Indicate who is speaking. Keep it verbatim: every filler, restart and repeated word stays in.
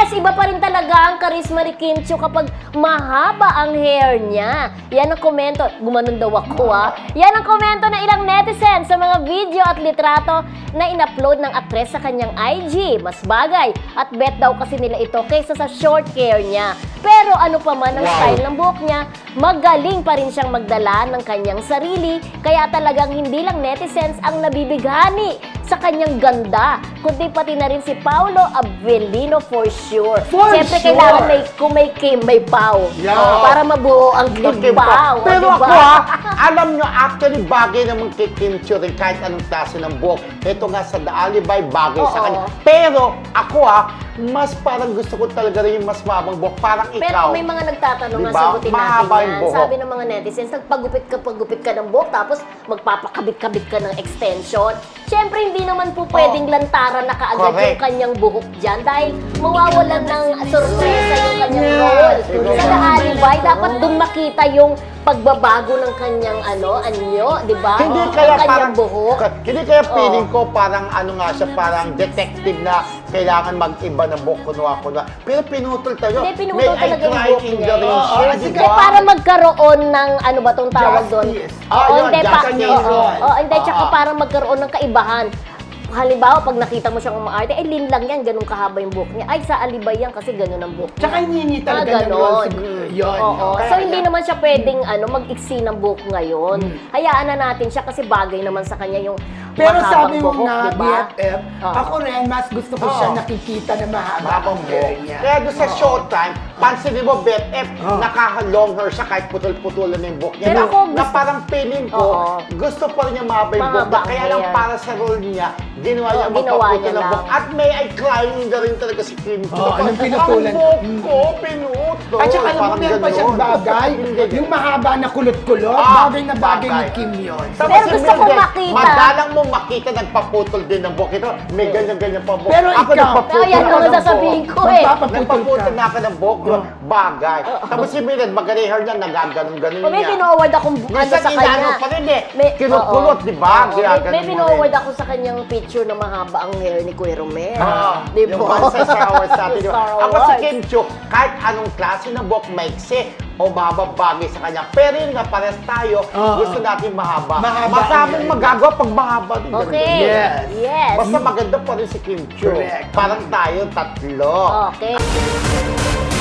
Speaker 1: Yes, iba pa rin talaga ang charisma ni Kim Chiu kapag mahaba ang hair niya. Yan ang komento. Gumanon daw ako ha. Yan ang komento ng ilang netizens sa mga video at litrato na in-upload ng aktres sa kanyang I G. Mas bagay at bet daw kasi nila ito kaysa sa short hair niya. Pero ano pa man ang
Speaker 2: Wow.
Speaker 1: style ng buhok niya, magaling pa rin siyang magdala ng kanyang sarili. Kaya talagang hindi lang netizens ang nabibighani sa kanyang ganda, kundi pati na rin si Paolo Avellino for sure.
Speaker 2: For
Speaker 1: Siyempre,
Speaker 2: sure.
Speaker 1: kailangan may, kung may Kim, may Pao.
Speaker 2: Yeah.
Speaker 1: Oh, para mabuo ang Kim
Speaker 2: Kim
Speaker 1: Pao.
Speaker 2: Pao. Pero
Speaker 1: diba?
Speaker 2: ako ha, alam nyo, actually bagay naman kay Kim Chiu rin kahit anong klase ng buhok. Ito nga sa The Alibay, bagay sa
Speaker 1: Oo.
Speaker 2: kanya. Pero ako ha, mas parang gusto ko talaga rin yung mas mabang buhok. Parang
Speaker 1: Pero
Speaker 2: ikaw.
Speaker 1: may mga nagtatanong nga,
Speaker 2: Diba?
Speaker 1: sagutin natin
Speaker 2: Mahaba yung
Speaker 1: yan.
Speaker 2: buhok.
Speaker 1: Sabi ng mga netizens, nagpagupit ka, pagupit ka ng buhok, tapos magpapakabit-kabit ka ng extension. Siyempre, hindi naman po pwedeng lantaran na kaagad
Speaker 2: Correct.
Speaker 1: yung kanyang buhok dyan dahil mawawalan ng sorpresa yung kanyang
Speaker 2: Yes.
Speaker 1: role.
Speaker 2: Correct.
Speaker 1: Sa The Alibay, dapat dun makita yung pagbabago ng kanyang ano, anyo, di ba?
Speaker 2: Hindi
Speaker 1: Ng
Speaker 2: kaya
Speaker 1: kanyang
Speaker 2: parang,
Speaker 1: buhok.
Speaker 2: ka- hindi kaya
Speaker 1: Oo.
Speaker 2: feeling ko parang ano nga siya, parang detective na kailangan mag-iba ng buhok, kunwa-kunwa. Pero pinutol tayo.
Speaker 1: Hindi, pinutol
Speaker 2: May
Speaker 1: talaga
Speaker 2: I
Speaker 1: yung
Speaker 2: cry
Speaker 1: buhok
Speaker 2: in
Speaker 1: niya.
Speaker 2: the rain
Speaker 3: Oo,
Speaker 2: siya,
Speaker 3: kasi
Speaker 2: di
Speaker 1: Eh,
Speaker 2: ba?
Speaker 1: para magkaroon ng ano ba tong tawag doon?
Speaker 3: Justice.
Speaker 2: Ah,
Speaker 1: Oo,
Speaker 2: yun,
Speaker 1: hindi pa.
Speaker 2: justice.
Speaker 1: Oo, oo, hindi, tsaka
Speaker 2: Oo.
Speaker 1: para magkaroon ng kaibahan. Halimbawa, pag nakita mo siyang umaarte, eh, lin lang yan, ganun kahaba yung buhok niya. Ay, sa Alibay yan kasi ganun ang buhok niya.
Speaker 3: Tsaka hinihingi
Speaker 1: Ah,
Speaker 3: talaga ng
Speaker 1: ganon.
Speaker 3: role siguro. Yun.
Speaker 1: Oo.
Speaker 3: Kaya-
Speaker 1: So, hindi naman siya pwedeng ano, mag-iksi ng buhok ngayon.
Speaker 3: Hmm.
Speaker 1: Hayaan na natin siya kasi bagay naman sa kanya yung
Speaker 3: Pero
Speaker 1: mahabang
Speaker 3: sabi mo
Speaker 1: buhok,
Speaker 3: nga,
Speaker 1: diba?
Speaker 3: B F F,
Speaker 1: Oo.
Speaker 3: ako rin, mas gusto ko siya
Speaker 2: Oo.
Speaker 3: nakikita na mahaba
Speaker 2: Mahabang
Speaker 3: ang hair
Speaker 2: buhok.
Speaker 3: niya.
Speaker 2: Kaya doon sa showtime, pansinin mo, B F F,
Speaker 3: Oh.
Speaker 2: naka-long hair siya kahit putol-putulan na yung buhok niya.
Speaker 1: Pero
Speaker 2: na,
Speaker 1: ako
Speaker 2: na
Speaker 1: gusto-
Speaker 2: parang feeling ko,
Speaker 1: Oo.
Speaker 2: gusto pa rin niya mahaba yung buhok.
Speaker 1: Mahaba
Speaker 2: niya. Kaya
Speaker 1: ang
Speaker 2: lang
Speaker 1: hair.
Speaker 2: para sa role niya, ginawa niya
Speaker 1: Oo, ginawa
Speaker 2: magpaputol
Speaker 1: niya
Speaker 2: ng
Speaker 1: lang.
Speaker 2: buhok. At may I crying na rin talaga si Kim Chiu.
Speaker 3: Oo, anong pinutulan?
Speaker 2: Ang buhok ko, pinutol.
Speaker 3: At saka alam mo,
Speaker 2: Parang
Speaker 3: meron pa siyang
Speaker 2: ganun.
Speaker 3: bagay.
Speaker 2: Hindi.
Speaker 3: Yung mahaba na kulot-kulot,
Speaker 2: Ah,
Speaker 3: bagay na bagay ni
Speaker 2: bagay.
Speaker 3: Kim yun.
Speaker 2: Tapos
Speaker 1: Pero
Speaker 2: si
Speaker 1: gusto ko
Speaker 2: Mildred,
Speaker 1: makita.
Speaker 2: Madalang mo makita nagpaputol din ng buhok. Ito, may ganyan-ganyan pa buhok.
Speaker 3: Pero
Speaker 2: Ako
Speaker 3: ikaw-
Speaker 2: nagpaputol
Speaker 1: Oh, yan
Speaker 2: ako
Speaker 1: naman
Speaker 2: ng
Speaker 1: sasabihin
Speaker 2: buhok.
Speaker 1: ko eh.
Speaker 3: Magpapaputol
Speaker 2: Nagpaputol
Speaker 3: ka.
Speaker 2: na ako ng buhok, yun, bagay. Tapos si Mildred, maganda yung hair niya, nagaganon-ganon
Speaker 1: O, may
Speaker 2: niya.
Speaker 1: pinoward akong ano
Speaker 2: Minsan
Speaker 1: sa
Speaker 2: inaano
Speaker 1: kanya.
Speaker 2: pa rin eh.
Speaker 1: May-
Speaker 2: Kinukulot,
Speaker 1: oo.
Speaker 2: di ba?
Speaker 1: Oo,
Speaker 2: Kaya
Speaker 1: may,
Speaker 2: ganun
Speaker 1: may
Speaker 2: mo
Speaker 1: pinoward
Speaker 2: rin.
Speaker 1: ako sa kanyang picture na mahaba ang hair ni Kuya Romero.
Speaker 2: Oo.
Speaker 1: Di
Speaker 2: Yung
Speaker 1: ba?
Speaker 2: sa Star Wars natin. di ba?
Speaker 1: Star
Speaker 2: Ako si
Speaker 1: Wars.
Speaker 2: Kim Chiu, kahit anong klase ng buhok, maiksi o mahaba bagay sa kanya. Pero yun nga, pares tayo,
Speaker 3: Oo.
Speaker 2: gusto natin mahaba.
Speaker 3: Mahaba
Speaker 2: Masaming
Speaker 3: yan.
Speaker 2: magagawa pag mahaba din.
Speaker 1: Okay.
Speaker 3: Yes.
Speaker 1: Yes.
Speaker 2: Basta maganda pa rin si Kim Chiu.
Speaker 3: Correct.
Speaker 2: Parang tayo tatlo.
Speaker 1: Okay.